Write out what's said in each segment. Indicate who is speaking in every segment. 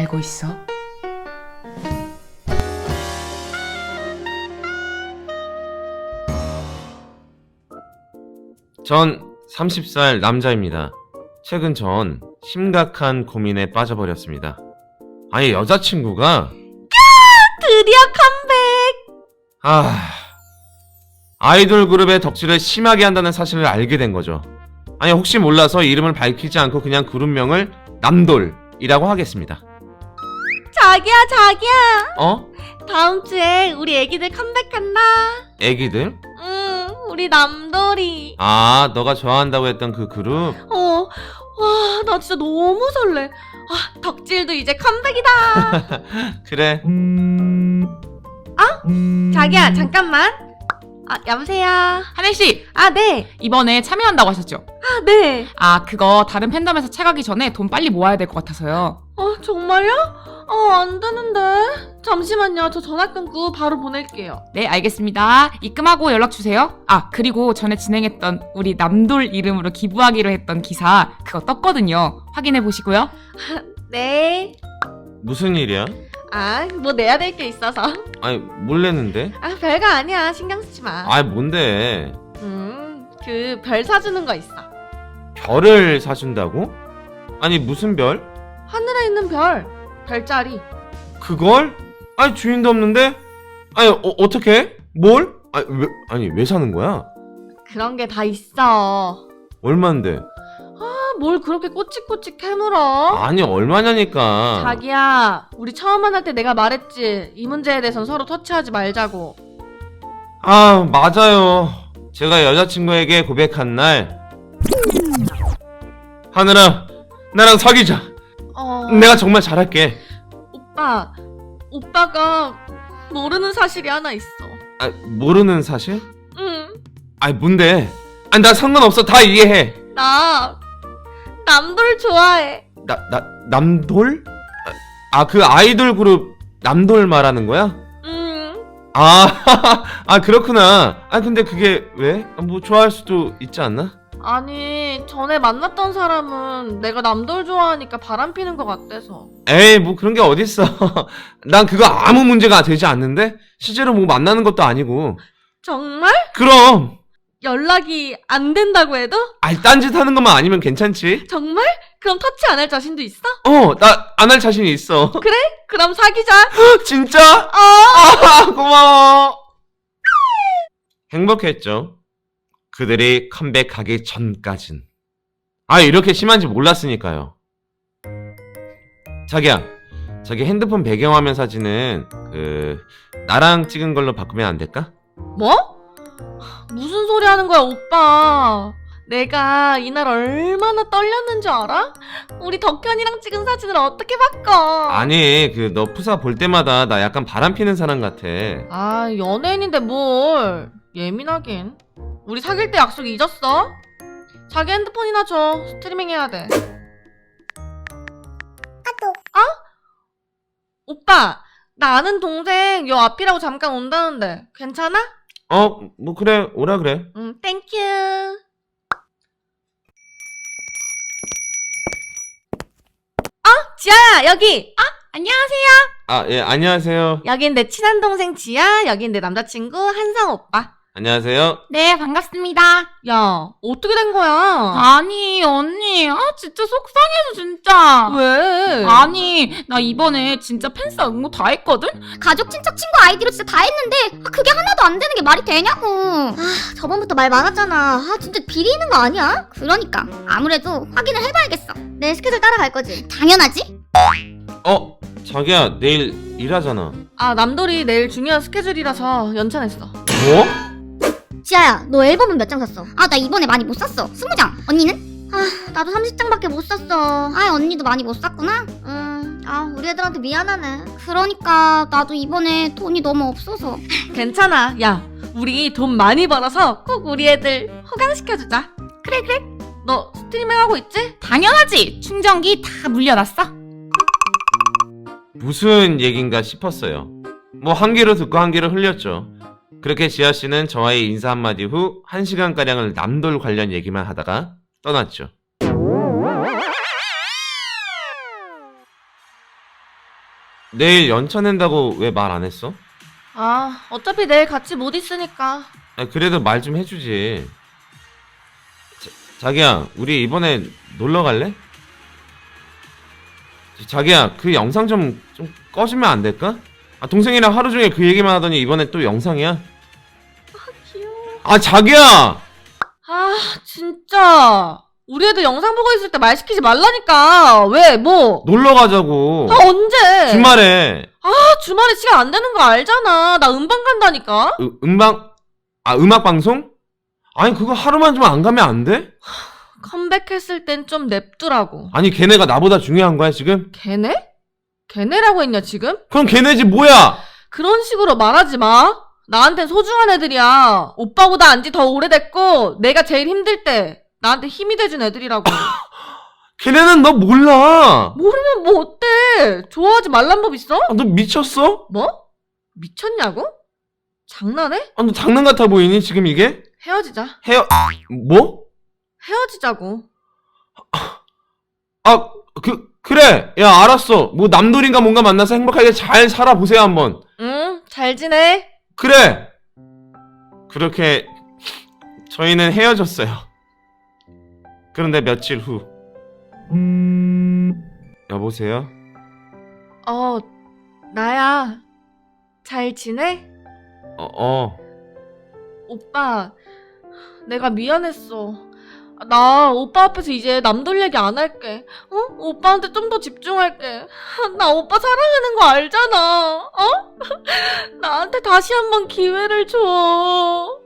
Speaker 1: 알고 있어?
Speaker 2: 전 30살 남자입니다. 최근 전 심각한 고민에 빠져버렸습니다. 아니, 여자친구가
Speaker 3: 드디어 컴백!
Speaker 2: 아이돌 그룹의 덕질을 심하게 한다는 사실을 알게 된 거죠. 아니, 혹시 몰라서 이름을 밝히지 않고 그냥 그룹명을 남돌이라고 하겠습니다.
Speaker 3: 자기야,
Speaker 2: 어?
Speaker 3: 다음 주에 우리 애기들 컴백한다.
Speaker 2: 애기들?
Speaker 3: 응, 우리 남돌이.
Speaker 2: 아, 너가 좋아한다고 했던 그 그룹?
Speaker 3: 와, 나 진짜 너무 설레. 덕질도 이제 컴백이다.
Speaker 2: 그래.
Speaker 3: 자기야, 잠깐만. 여보세요.
Speaker 1: 하늘씨!
Speaker 3: 네.
Speaker 1: 이번에 참여한다고 하셨죠?
Speaker 3: 네.
Speaker 1: 그거 다른 팬덤에서 채가기 전에 돈 빨리 모아야 될 것 같아서요.
Speaker 3: 정말요? 안 되는데. 잠시만요. 저 전화 끊고 바로 보낼게요.
Speaker 1: 네, 알겠습니다. 입금하고 연락주세요. 그리고 전에 진행했던 우리 남돌 이름으로 기부하기로 했던 기사 그거 떴거든요. 확인해보시고요.
Speaker 3: 네.
Speaker 2: 무슨 일이야?
Speaker 3: 뭐 내야 될 게 있어서.
Speaker 2: 아니, 뭘 냈는데?
Speaker 3: 별거 아니야. 신경 쓰지 마.
Speaker 2: 뭔데?
Speaker 3: 그 별 사주는 거 있어.
Speaker 2: 별을 사준다고? 아니, 무슨 별?
Speaker 3: 하늘에 있는 별. 별자리.
Speaker 2: 그걸? 아니, 주인도 없는데? 아니, 어떻게? 뭘? 왜 사는 거야?
Speaker 3: 그런 게 다 있어.
Speaker 2: 얼만데?
Speaker 3: 뭘 그렇게 꼬치꼬치 캐물어?
Speaker 2: 아니, 얼마냐니까.
Speaker 3: 자기야, 우리 처음 만날 때 내가 말했지. 이 문제에 대해선 서로 터치하지 말자고.
Speaker 2: 맞아요. 제가 여자친구에게 고백한 날, 하늘아, 나랑 사귀자. 내가 정말 잘할게.
Speaker 3: 오빠가 모르는 사실이 하나 있어.
Speaker 2: 모르는 사실?
Speaker 3: 응.
Speaker 2: 뭔데? 나 상관없어. 다 이해해.
Speaker 3: 나 남돌 좋아해.
Speaker 2: 남돌? 그 아이돌 그룹 남돌 말하는 거야?
Speaker 3: 응.
Speaker 2: 그렇구나. 근데 그게 왜? 뭐 좋아할 수도 있지 않나?
Speaker 3: 아니, 전에 만났던 사람은 내가 남돌 좋아하니까 바람 피는 것 같대서.
Speaker 2: 에이, 뭐 그런 게 어딨어. 난 그거 아무 문제가 되지 않는데? 실제로 뭐 만나는 것도 아니고.
Speaker 3: 정말?
Speaker 2: 그럼!
Speaker 3: 연락이 안 된다고 해도?
Speaker 2: 딴짓 하는 것만 아니면 괜찮지?
Speaker 3: 정말? 그럼 터치 안 할 자신도 있어?
Speaker 2: 나 안 할 자신이 있어.
Speaker 3: 그래? 그럼 사귀자.
Speaker 2: 진짜? 고마워. 행복했죠. 그들이 컴백하기 전까진. 이렇게 심한지 몰랐으니까요. 자기야, 저기 핸드폰 배경화면 사진은 나랑 찍은 걸로 바꾸면 안 될까?
Speaker 3: 뭐? 무슨 소리 하는 거야, 오빠. 내가 이날 얼마나 떨렸는지 알아? 우리 덕현이랑 찍은 사진을 어떻게 바꿔?
Speaker 2: 아니, 너 푸사 볼 때마다 나 약간 바람 피는 사람 같아.
Speaker 3: 연예인인데 뭘. 예민하긴. 우리 사귈 때 약속 잊었어? 자기 핸드폰이나 줘. 스트리밍 해야 돼. 오빠, 나 아는 동생 요 앞이라고 잠깐 온다는데 괜찮아?
Speaker 2: 뭐 그래, 오라 그래.
Speaker 3: 땡큐. 지아야, 여기.
Speaker 1: 안녕하세요.
Speaker 2: 예, 안녕하세요.
Speaker 3: 여긴 내 친한 동생 지아, 여긴 내 남자친구 한상 오빠.
Speaker 2: 안녕하세요.
Speaker 1: 네, 반갑습니다.
Speaker 3: 야, 어떻게 된 거야?
Speaker 1: 아니, 언니. 진짜 속상해서, 진짜.
Speaker 3: 왜?
Speaker 1: 아니, 나 이번에 진짜 팬싸 응모 다 했거든?
Speaker 4: 가족, 친척, 친구 아이디로 진짜 다 했는데 그게 하나도 안 되는 게 말이 되냐고. 저번부터 말 많았잖아. 진짜 비리 있는 거 아니야? 그러니까 아무래도 확인을 해봐야겠어. 내 스케줄 따라갈 거지? 당연하지.
Speaker 2: 자기야, 내일 일하잖아.
Speaker 3: 남돌이 내일 중요한 스케줄이라서 연차냈어.
Speaker 2: 뭐?
Speaker 4: 지아야, 너 앨범은 몇 장 샀어? 나 이번에 많이 못 샀어. 20장. 언니는? 나도 30장밖에 못 샀어. 언니도 많이 못 샀구나? 우리 애들한테 미안하네. 그러니까 나도 이번에 돈이 너무 없어서.
Speaker 3: 괜찮아. 야, 우리 돈 많이 벌어서 꼭 우리 애들 호강시켜주자. 그래. 너 스트리밍 하고 있지?
Speaker 1: 당연하지. 충전기 다 물려놨어.
Speaker 2: 무슨 얘긴가 싶었어요. 뭐 한 귀로 듣고 한 귀로 흘렸죠. 그렇게 지아씨는 저와의 인사 한마디 후 1시간가량을 남돌 관련 얘기만 하다가 떠났죠. 내일 연차 낸다고 왜 말 안 했어?
Speaker 3: 아, 어차피 내일 같이 못 있으니까.
Speaker 2: 아니, 그래도 말 좀 해주지. 자기야, 우리 이번에 놀러 갈래? 자기야, 그 영상 좀 꺼주면 안 될까? 아, 동생이랑 하루 종일 그 얘기만 하더니 이번에 또 영상이야?
Speaker 3: 귀여워.
Speaker 2: 아, 자기야!
Speaker 3: 아, 진짜. 우리 애들 영상 보고 있을 때 말 시키지 말라니까. 왜, 뭐?
Speaker 2: 놀러 가자고.
Speaker 3: 아, 언제?
Speaker 2: 주말에.
Speaker 3: 아, 주말에 시간 안 되는 거 알잖아. 나 음방 간다니까.
Speaker 2: 음악 방송? 아니, 그거 하루만 좀 안 가면 안 돼?
Speaker 3: 컴백했을 땐 좀 냅두라고.
Speaker 2: 아니, 걔네가 나보다 중요한 거야, 지금?
Speaker 3: 걔네? 걔네라고 했냐, 지금?
Speaker 2: 그럼 걔네지 뭐야?
Speaker 3: 그런 식으로 말하지 마. 나한텐 소중한 애들이야. 오빠보다 안지 더 오래됐고, 내가 제일 힘들 때 나한테 힘이 돼준 애들이라고.
Speaker 2: 걔네는 너 몰라.
Speaker 3: 모르면 뭐 어때? 좋아하지 말란 법 있어?
Speaker 2: 아, 너 미쳤어?
Speaker 3: 뭐? 미쳤냐고? 장난해?
Speaker 2: 아, 너 장난 같아 보이니, 지금 이게?
Speaker 3: 헤어지자.
Speaker 2: 뭐?
Speaker 3: 헤어지자고.
Speaker 2: 아, 그래. 야, 알았어. 뭐, 남돌인가 뭔가 만나서 행복하게 잘 살아보세요, 한번.
Speaker 3: 응, 잘 지내.
Speaker 2: 그래! 그렇게, 저희는 헤어졌어요. 그런데 며칠 후. 여보세요?
Speaker 3: 나야. 잘 지내? 오빠, 내가 미안했어. 나 오빠 앞에서 이제 남돌 얘기 안 할게. 오빠한테 좀 더 집중할게. 나 오빠 사랑하는 거 알잖아. 나한테 다시 한번 기회를 줘.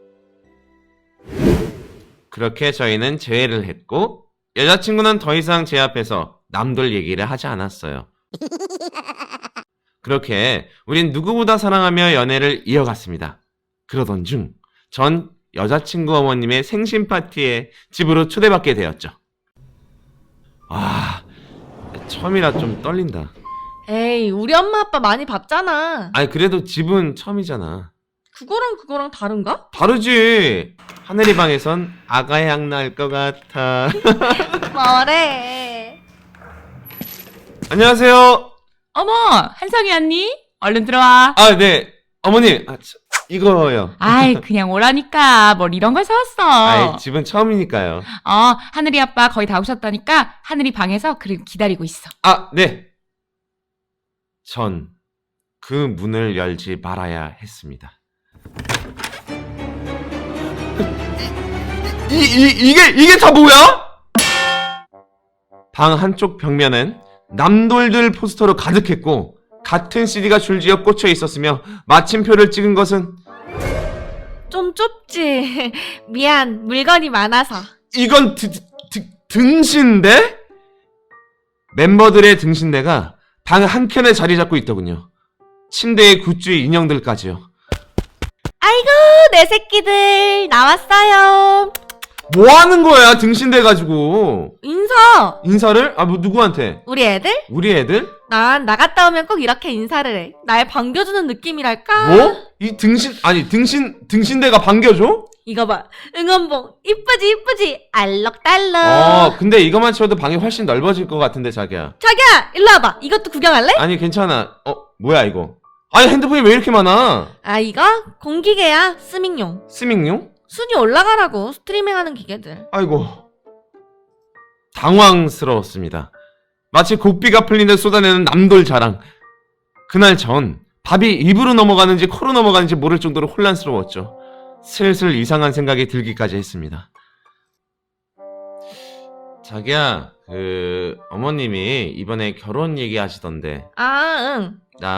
Speaker 2: 그렇게 저희는 재회를 했고, 여자친구는 더 이상 제 앞에서 남돌 얘기를 하지 않았어요. 그렇게 우린 누구보다 사랑하며 연애를 이어갔습니다. 그러던 중, 전 여자친구 어머님의 생신 파티에 집으로 초대받게 되었죠. 와, 처음이라 좀 떨린다.
Speaker 3: 에이, 우리 엄마 아빠 많이 봤잖아.
Speaker 2: 아니, 그래도 집은 처음이잖아.
Speaker 3: 그거랑 다른가?
Speaker 2: 다르지. 하늘이 방에선 아가 향 날 것 같아.
Speaker 3: 뭐래.
Speaker 2: 안녕하세요.
Speaker 1: 어머, 한성이 언니? 얼른 들어와.
Speaker 2: 아, 네. 어머님, 이거요.
Speaker 1: 아이, 그냥 오라니까. 뭘 이런 걸 사왔어.
Speaker 2: 아이, 집은 처음이니까요.
Speaker 1: 하늘이 아빠 거의 다 오셨다니까 하늘이 방에서 그리고 기다리고 있어.
Speaker 2: 아, 네. 전 그 문을 열지 말아야 했습니다. 이게 다 뭐야? 방 한쪽 벽면엔 남돌들 포스터로 가득했고, 같은 CD가 줄지어 꽂혀 있었으며, 마침표를 찍은 것은
Speaker 3: 좀 좁지. 미안, 물건이 많아서.
Speaker 2: 이건 등신대? 멤버들의 등신대가 방 한켠에 자리 잡고 있더군요. 침대에 굿즈 인형들까지요.
Speaker 3: 아이고, 내 새끼들 나왔어요.
Speaker 2: 뭐 하는 거야, 등신대 가지고? 인사를? 아, 뭐 누구한테?
Speaker 3: 우리 애들?
Speaker 2: 우리 애들?
Speaker 3: 난 나갔다 오면 꼭 이렇게 인사를 해. 날 반겨주는 느낌이랄까?
Speaker 2: 뭐? 이 등신대가 반겨줘?
Speaker 3: 이거 봐, 응원봉 이쁘지 알록달록.
Speaker 2: 근데 이것만 치워도 방이 훨씬 넓어질 것 같은데, 자기야.
Speaker 3: 자기야, 일로 와봐. 이것도 구경할래?
Speaker 2: 아니, 괜찮아. 뭐야 이거? 아니, 핸드폰이 왜 이렇게 많아?
Speaker 3: 아, 이거 공기계야. 스밍용.
Speaker 2: 스밍용?
Speaker 3: 순위 올라가라고. 스트리밍하는 기계들.
Speaker 2: 아이고, 당황스러웠습니다. 마치 고삐가 풀린 듯 쏟아내는 남돌 자랑. 그날 전 밥이 입으로 넘어가는지 코로 넘어가는지 모를 정도로 혼란스러웠죠. 슬슬 이상한 생각이 들기까지 했습니다. 자기야, 어머님이 이번에 결혼 얘기하시던데,
Speaker 3: 아, 응.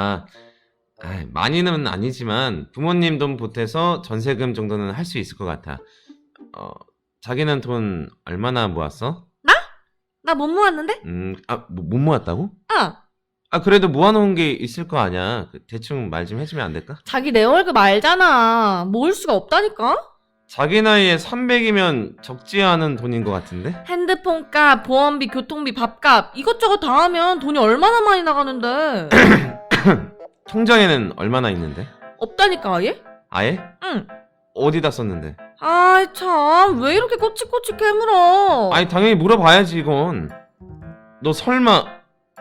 Speaker 2: 많이는 아니지만 부모님 돈 보태서 전세금 정도는 할 수 있을 것 같아. 자기는 돈 얼마나 모았어?
Speaker 3: 나 못 모았는데?
Speaker 2: 못 모았다고?
Speaker 3: 어.
Speaker 2: 그래도 모아놓은 게 있을 거 아니야. 대충 말 좀 해주면 안 될까?
Speaker 3: 자기 내 월급 알잖아. 모을 수가 없다니까?
Speaker 2: 자기 나이에 300이면 적지 않은 돈인 것 같은데?
Speaker 3: 핸드폰 값, 보험비, 교통비, 밥값 이것저것 다 하면 돈이 얼마나 많이 나가는데.
Speaker 2: 통장에는 얼마나 있는데?
Speaker 3: 없다니까 아예?
Speaker 2: 아예?
Speaker 3: 응.
Speaker 2: 어디다 썼는데?
Speaker 3: 아이 참, 왜 이렇게 꼬치꼬치 캐물어.
Speaker 2: 아니, 당연히 물어봐야지, 이건. 너 설마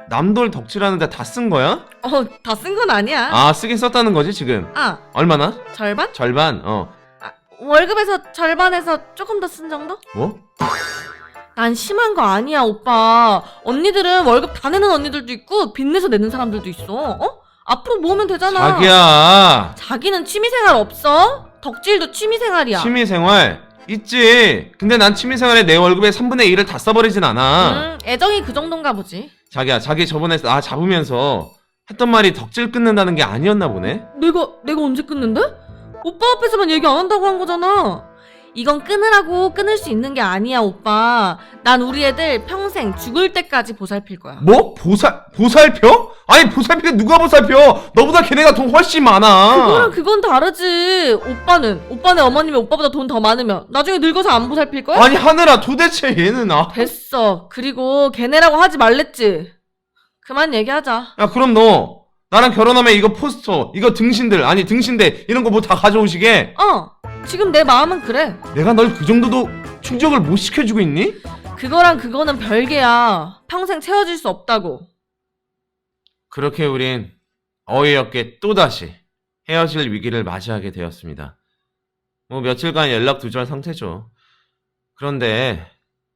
Speaker 2: 남돌 덕질하는데 다 쓴 거야?
Speaker 3: 다 쓴 건 아니야.
Speaker 2: 아, 쓰긴 썼다는 거지 지금. 얼마나?
Speaker 3: 절반?
Speaker 2: 절반?
Speaker 3: 월급에서 절반에서 조금 더 쓴 정도?
Speaker 2: 뭐?
Speaker 3: 난 심한 거 아니야, 오빠. 언니들은 월급 다 내는 언니들도 있고 빚내서 내는 사람들도 있어. 앞으로 모으면 되잖아.
Speaker 2: 자기야,
Speaker 3: 자기는 취미생활 없어? 덕질도 취미생활이야.
Speaker 2: 취미생활 있지. 근데 난 취미생활에 내 월급의 3분의 1을 다 써버리진 않아.
Speaker 3: 애정이 그 정도인가 보지.
Speaker 2: 자기야, 자기 저번에 나 잡으면서 했던 말이 덕질 끊는다는 게 아니었나 보네?
Speaker 3: 내가 언제 끊는데? 오빠 앞에서만 얘기 안 한다고 한 거잖아. 이건 끊으라고 끊을 수 있는 게 아니야, 오빠. 난 우리 애들 평생 죽을 때까지 보살필 거야.
Speaker 2: 뭐? 보살펴? 아니, 보살피게 누가 보살펴? 너보다 걔네가 돈 훨씬 많아.
Speaker 3: 그건 다르지. 오빠네 어머님이 오빠보다 돈 더 많으면 나중에 늙어서 안 보살필 거야?
Speaker 2: 아니, 하늘아, 도대체 얘는
Speaker 3: 됐어. 그리고 걔네라고 하지 말랬지. 그만 얘기하자.
Speaker 2: 야, 그럼 너 나랑 결혼하면 이거 포스터, 이거 등신대 이런 거 뭐 다 가져오시게?
Speaker 3: 지금 내 마음은 그래.
Speaker 2: 내가 널 그 정도도 충족을 못 시켜주고 있니?
Speaker 3: 그거랑 그거는 별개야. 평생 채워줄 수 없다고.
Speaker 2: 그렇게 우린 어이없게 또다시 헤어질 위기를 맞이하게 되었습니다. 뭐 며칠간 연락 두절 상태죠. 그런데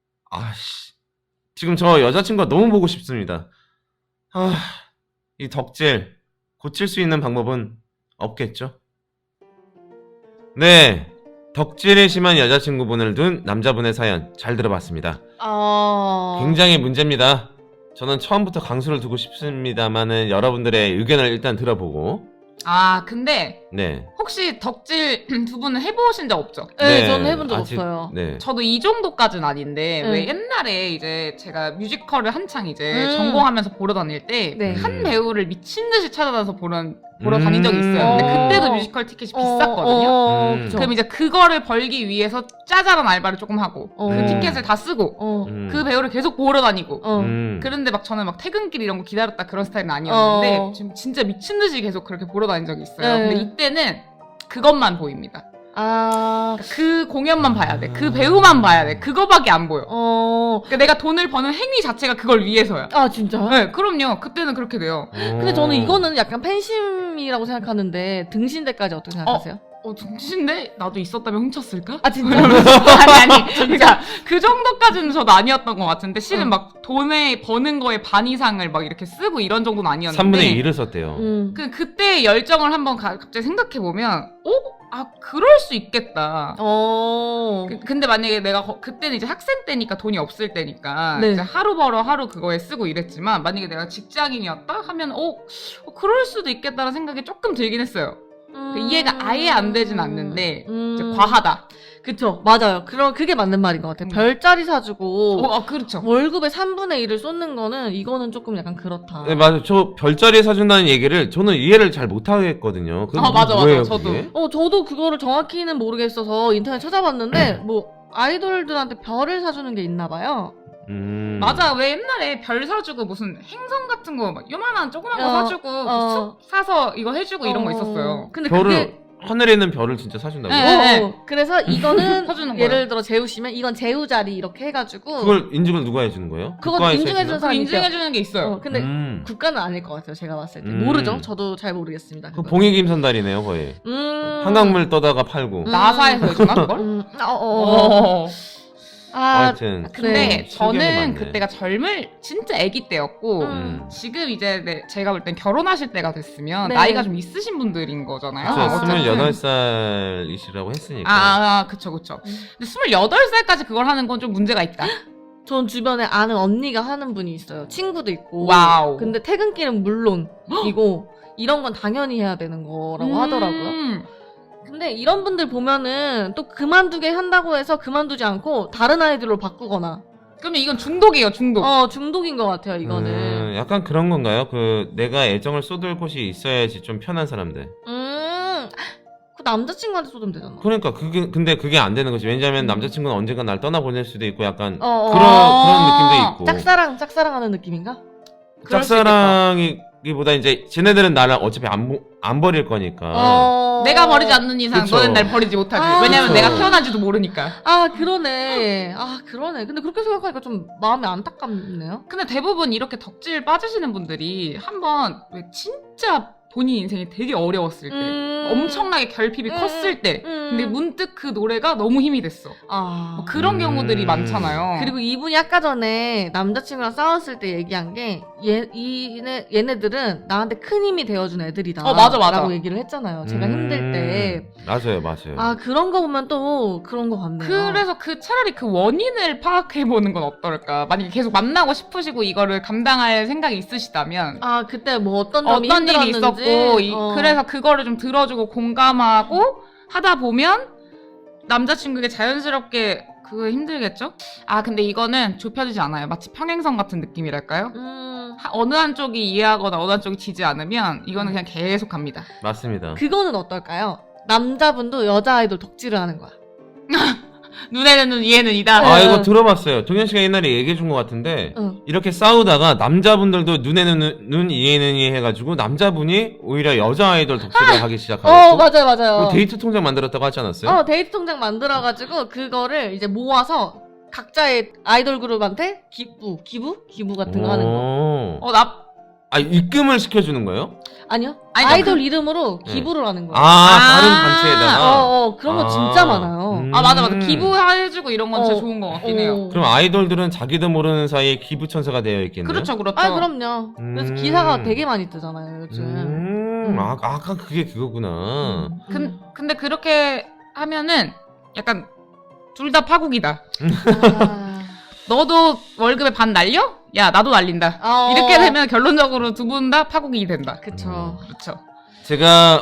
Speaker 2: 지금 저 여자친구가 너무 보고 싶습니다. 이 덕질 고칠 수 있는 방법은 없겠죠? 네, 덕질에 심한 여자친구분을 둔 남자분의 사연 잘 들어봤습니다. 굉장히 문제입니다. 저는 처음부터 강수를 두고 싶습니다만은 여러분들의 의견을 일단 들어보고.
Speaker 1: 근데
Speaker 2: 네.
Speaker 1: 혹시 덕질 두 분은 해보신 적 없죠?
Speaker 3: 네, 저는 해본 적 없어요.
Speaker 2: 네.
Speaker 1: 저도 이 정도까지는 아닌데
Speaker 3: 네.
Speaker 1: 왜 옛날에 이제 제가 뮤지컬을 한창 이제 전공하면서 보러 다닐 때
Speaker 3: 네.
Speaker 1: 한 배우를 미친 듯이 찾아다녀서 보러 다닌 적이 있어요. 근데 그때도 뮤지컬 티켓이 비쌌거든요.
Speaker 3: 그쵸.
Speaker 1: 그럼 이제 그거를 벌기 위해서 짜잘한 알바를 조금 하고 그 티켓을 다 쓰고 그 배우를 계속 보러 다니고 그런데 막 저는 막 퇴근길 이런 거 기다렸다 그런 스타일은 아니었는데 지금 진짜 미친 듯이 계속 그렇게 보러 다닌 적이 있어요. 근데 이때는 그것만 보입니다. 그 공연만 봐야 돼. 그 배우만 봐야 돼. 그거밖에 안 보여. 그러니까 내가 돈을 버는 행위 자체가 그걸 위해서야.
Speaker 3: 진짜?
Speaker 1: 네, 그럼요. 그때는 그렇게 돼요.
Speaker 3: 근데 저는 이거는 약간 팬심이라고 생각하는데 등신대까지 어떻게 생각하세요?
Speaker 1: 등신데 나도 있었다면 훔쳤을까?
Speaker 3: 진짜?
Speaker 1: 아니. 그러니까 그 정도까지는 저도 아니었던 것 같은데 실은 막 돈에 버는 거에 반 이상을 막 이렇게 쓰고 이런 정도는 아니었는데
Speaker 2: 3분의 1을 썼대요.
Speaker 1: 그때 열정을 한번 갑자기 생각해 보면 그럴 수 있겠다. 근데 만약에 내가 그때는 이제 학생 때니까 돈이 없을 때니까
Speaker 3: 네.
Speaker 1: 이제 하루 벌어 하루 그거에 쓰고 이랬지만 만약에 내가 직장인이었다 하면 그럴 수도 있겠다는 생각이 조금 들긴 했어요. 이해가 아예 안 되진 않는데 이제 과하다.
Speaker 3: 그쵸, 맞아요. 그게 맞는 말인 것 같아요. 별자리 사주고
Speaker 1: 그렇죠.
Speaker 3: 월급의 3분의 1을 쏟는 거는 이거는 조금 약간 그렇다.
Speaker 2: 네, 맞아요. 저 별자리 사준다는 얘기를 저는 이해를 잘 못하겠거든요.
Speaker 1: 맞아.
Speaker 2: 뭐예요,
Speaker 1: 저도.
Speaker 2: 그게?
Speaker 3: 저도 그거를 정확히는 모르겠어서 인터넷 찾아봤는데 뭐 아이돌들한테 별을 사주는 게 있나 봐요.
Speaker 1: 맞아. 왜 옛날에 별 사주고 무슨 행성 같은 거 막 요만한 조그만 거 사주고 숲 사서 이거 해주고 이런 거 있었어요.
Speaker 3: 근데
Speaker 2: 별을 하늘에 있는 별을 진짜 사준다고요?
Speaker 1: 네.
Speaker 3: 그래서 이거는
Speaker 1: 사주는
Speaker 3: 예를
Speaker 1: 거예요.
Speaker 3: 들어 재우시면 이건 재우자리 이렇게 해가지고
Speaker 2: 그걸 인증을 누가 해주는 거예요?
Speaker 3: 그건
Speaker 2: 국가에서
Speaker 3: 인증해주는
Speaker 2: 해주나?
Speaker 3: 사람이
Speaker 1: 인증해주는 게 있어요.
Speaker 3: 근데 국가는 아닐 것 같아요. 제가 봤을 때 모르죠. 저도 잘 모르겠습니다.
Speaker 2: 그 봉익임선달이네요, 거의. 한강물 떠다가 팔고.
Speaker 1: 나사에서 해주나 그걸?
Speaker 2: 하여튼.
Speaker 1: 근데
Speaker 2: 실경이
Speaker 1: 저는
Speaker 2: 많네.
Speaker 1: 그때가 진짜 아기 때였고 지금 이제 제가 볼 땐 결혼하실 때가 됐으면
Speaker 3: 네.
Speaker 1: 나이가 좀 있으신 분들인 거잖아요.
Speaker 2: 그쵸,
Speaker 1: 어쨌든.
Speaker 2: 28살이시라고 했으니까.
Speaker 1: 그쵸. 근데 28살까지 그걸 하는 건 좀 문제가 있다.
Speaker 3: 전 주변에 아는 언니가 하는 분이 있어요. 친구도 있고.
Speaker 1: 와우.
Speaker 3: 근데 퇴근길은 물론이고 이런 건 당연히 해야 되는 거라고 하더라고요. 근데 이런 분들 보면은 또 그만두게 한다고 해서 그만두지 않고 다른 아이들로 바꾸거나.
Speaker 1: 그러면 이건 중독이에요, 중독.
Speaker 3: 중독인 것 같아요, 이거는.
Speaker 2: 약간 그런 건가요? 내가 애정을 쏟을 곳이 있어야지 좀 편한 사람들.
Speaker 3: 그 남자친구한테 쏟으면 되잖아.
Speaker 2: 그러니까 근데 그게 안 되는 거지. 왜냐면 남자친구는 언젠가 날 떠나보낼 수도 있고 약간
Speaker 3: 어.
Speaker 2: 그런 느낌도 있고.
Speaker 3: 짝사랑하는 느낌인가?
Speaker 1: 그럴 수
Speaker 2: 짝사랑이 기보다 이제 쟤네들은 나를 어차피 안 버릴 거니까.
Speaker 1: 내가 버리지 않는 이상
Speaker 2: 그쵸.
Speaker 1: 너는 날 버리지 못하지. 왜냐면
Speaker 2: 그쵸.
Speaker 1: 내가 태어난지도 모르니까.
Speaker 3: 그러네. 근데 그렇게 생각하니까 좀 마음이 안타깝네요.
Speaker 1: 근데 대부분 이렇게 덕질 빠지시는 분들이 한번 왜 진짜 본인 인생이 되게 어려웠을 때 엄청나게 결핍이 컸을 때 근데 문득 그 노래가 너무 힘이 됐어. 뭐 그런 경우들이 많잖아요.
Speaker 3: 그리고 이분이 아까 전에 남자친구랑 싸웠을 때 얘기한 게 얘네들은 나한테 큰 힘이 되어준 애들이다.
Speaker 1: 맞아.
Speaker 3: 라고 얘기를 했잖아요. 제가 힘들 때.
Speaker 2: 맞아요.
Speaker 3: 그런 거 보면 또 그런 거 같네요.
Speaker 1: 그래서 차라리 그 원인을 파악해보는 건 어떨까? 만약에 계속 만나고 싶으시고 이거를 감당할 생각이 있으시다면
Speaker 3: 그때 뭐 어떤 점이
Speaker 1: 어떤 일이
Speaker 3: 힘들었는지.
Speaker 1: 있었고 그래서 그거를 좀 들어주고 공감하고 하다 보면 남자친구에게 자연스럽게 그거 힘들겠죠? 근데 이거는 좁혀지지 않아요. 마치 평행선 같은 느낌이랄까요? 어느 한쪽이 이해하거나 어느 한쪽이 지지 않으면 이거는 그냥 계속 갑니다.
Speaker 2: 맞습니다.
Speaker 3: 그거는 어떨까요? 남자분도 여자 아이돌 덕질을 하는 거야.
Speaker 1: 눈에는 눈, 이에는 이다.
Speaker 2: 이거 들어봤어요. 동현 씨가 옛날에 얘기해 준 것 같은데
Speaker 3: 응.
Speaker 2: 이렇게 싸우다가 남자분들도 눈에는 눈, 이에는 이 해가지고 남자분이 오히려 여자 아이돌 덕질을 하기 시작하고
Speaker 3: 맞아요.
Speaker 2: 뭐 데이트 통장 만들었다고 하지 않았어요?
Speaker 3: 데이트 통장 만들어가지고 그거를 이제 모아서 각자의 아이돌 그룹한테 기부 같은 거 하는 거.
Speaker 2: 입금을 시켜주는 거예요?
Speaker 3: 아니요.
Speaker 1: 아니죠.
Speaker 3: 아이돌 이름으로 기부를 하는 거예요.
Speaker 2: 다른 단체에다가?
Speaker 3: 그런 거 진짜 많아요.
Speaker 1: 맞아. 기부해주고 이런 건 진짜 좋은 것 같긴 해요.
Speaker 2: 그럼 아이돌들은 자기도 모르는 사이에 기부천사가 되어 있겠네요?
Speaker 1: 그렇죠.
Speaker 3: 그럼요. 그래서 기사가 되게 많이 뜨잖아요, 요즘.
Speaker 2: 아까 그게 그거구나.
Speaker 1: 근데 그렇게 하면은 약간 둘 다 파국이다. 너도 월급의 반 날려? 야, 나도 날린다. 이렇게 되면 결론적으로 두 분 다 파국이 된다.
Speaker 3: 그쵸.
Speaker 1: 그렇죠.
Speaker 2: 제가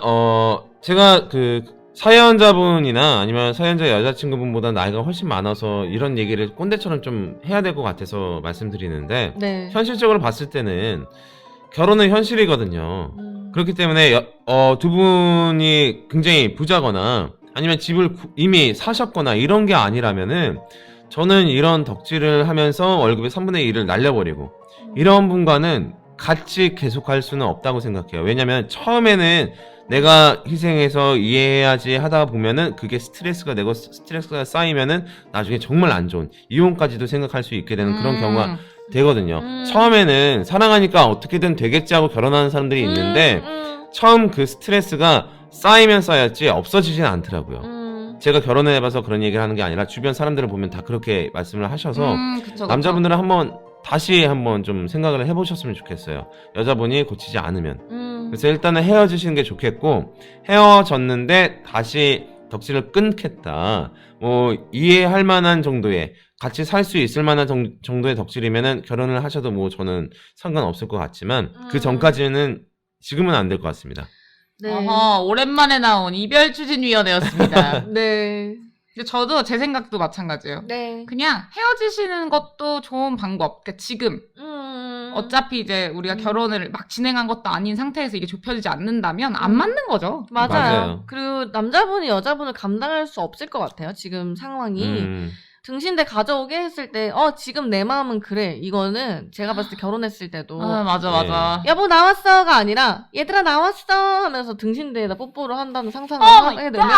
Speaker 2: 그 사연자분이나 아니면 사연자 여자친구분보다 나이가 훨씬 많아서 이런 얘기를 꼰대처럼 좀 해야 될 것 같아서 말씀드리는데
Speaker 3: 네.
Speaker 2: 현실적으로 봤을 때는 결혼은 현실이거든요. 그렇기 때문에 두 분이 굉장히 부자거나 아니면 집을 이미 사셨거나 이런 게 아니라면은 저는 이런 덕질을 하면서 월급의 3분의 1을 날려버리고 이런 분과는 같이 계속할 수는 없다고 생각해요. 왜냐면 처음에는 내가 희생해서 이해해야지 하다 보면은 그게 스트레스가 되고 스트레스가 쌓이면은 나중에 정말 안 좋은 이혼까지도 생각할 수 있게 되는 그런 경우가 되거든요. 처음에는 사랑하니까 어떻게든 되겠지 하고 결혼하는 사람들이 있는데 처음 그 스트레스가 쌓이면 쌓였지 없어지진 않더라고요. 제가 결혼을 해봐서 그런 얘기를 하는 게 아니라 주변 사람들을 보면 다 그렇게 말씀을 하셔서
Speaker 1: 그쵸.
Speaker 2: 남자분들은 다시 한번 좀 생각을 해보셨으면 좋겠어요. 여자분이 고치지 않으면. 그래서 일단은 헤어지시는 게 좋겠고, 헤어졌는데 다시 덕질을 끊겠다. 뭐 이해할 만한 정도의 같이 살 수 있을 만한 정도의 덕질이면은 결혼을 하셔도 뭐 저는 상관없을 것 같지만 그 전까지는 지금은 안 될 것 같습니다.
Speaker 3: 네.
Speaker 1: 오랜만에 나온 이별 추진위원회였습니다.
Speaker 3: 네.
Speaker 1: 근데 저도 제 생각도 마찬가지예요.
Speaker 3: 네.
Speaker 1: 그냥 헤어지시는 것도 좋은 방법. 그러니까 지금 어차피 이제 우리가 결혼을 막 진행한 것도 아닌 상태에서 이게 좁혀지지 않는다면 안 맞는 거죠.
Speaker 3: 맞아요. 그리고 남자분이 여자분을 감당할 수 없을 것 같아요. 지금 상황이. 등신대 가져오게 했을 때 지금 내 마음은 그래. 이거는 제가 봤을 때 결혼했을 때도
Speaker 1: 맞아.
Speaker 3: 여보 나왔어가 아니라 얘들아 나왔어 하면서 등신대에다 뽀뽀를 한다는 상상을 하게 되면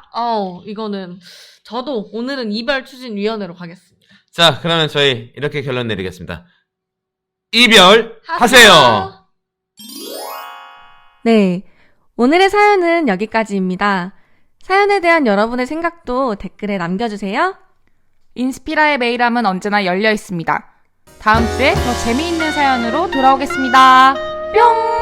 Speaker 3: 이거는 저도 오늘은 이별 추진위원회로 가겠습니다.
Speaker 2: 자, 그러면 저희 이렇게 결론 내리겠습니다. 이별 하세요.
Speaker 3: 네, 오늘의 사연은 여기까지입니다. 사연에 대한 여러분의 생각도 댓글에 남겨주세요.
Speaker 1: 인스피라의 메일함은 언제나 열려 있습니다. 다음 주에 더 재미있는 사연으로 돌아오겠습니다. 뿅!